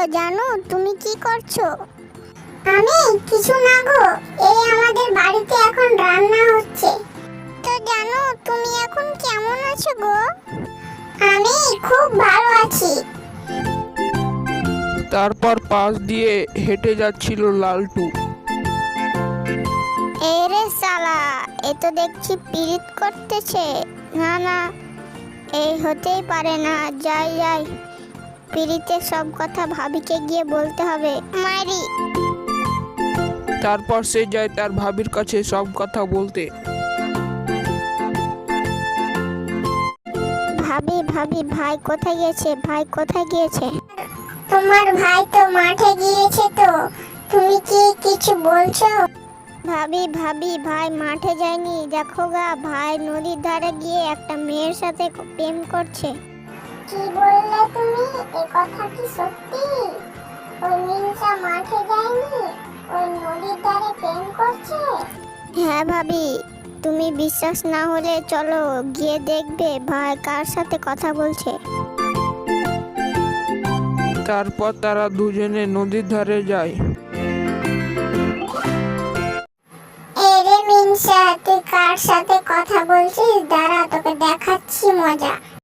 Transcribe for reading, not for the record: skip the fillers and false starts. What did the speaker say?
জানো তুমি কি করছো? আমি কিছু না গো, এই আমাদের বাড়িতে এখন রান্না হচ্ছে। তো জানো তুমি এখন কেমন আছো গো? আমি খুব ভালো আছি। তারপর পাশ দিয়ে হেঁটে যাচ্ছিল লালটু। এই রে শালা, এ তো দেখছি পিরিত করতেছে। না না, এই হতেই পারে না। যাই যাই, পিরিতের সব কথা ভাবিকে গিয়ে বলতে হবে। মারি। তারপর সে যায় তার ভাবির কাছে সব কথা বলতে। ভাবি ভাবি, ভাই কোথায় গিয়েছে? ভাই কোথায় গিয়েছে? তোমার ভাই তো মাঠে গিয়েছে, তো তুমি কি কিছু বলছো? ভাবি ভাবি, ভাই মাঠে যায়নি, দেখো গা, ভাই নদীর ধারে গিয়ে একটা মেয়ের সাথে প্রেম করছে। কি বললে তুমি? এ কথা কি সত্যি? ওই মিনসা মাঠে যায়নি, ওই নদীর ধারে প্রেম করছে? হ্যাঁ ভাবি, তুমি বিশ্বাস না হলে চলো গিয়ে দেখবে ভাই কার সাথে কথা বলছে। তারপর তারা দুজনে নদীর ধারে যায়। এরে মিনসা, তুই কার সাথে কথা বলছিস? দাঁড়া, তোকে দেখাচ্ছি মজা।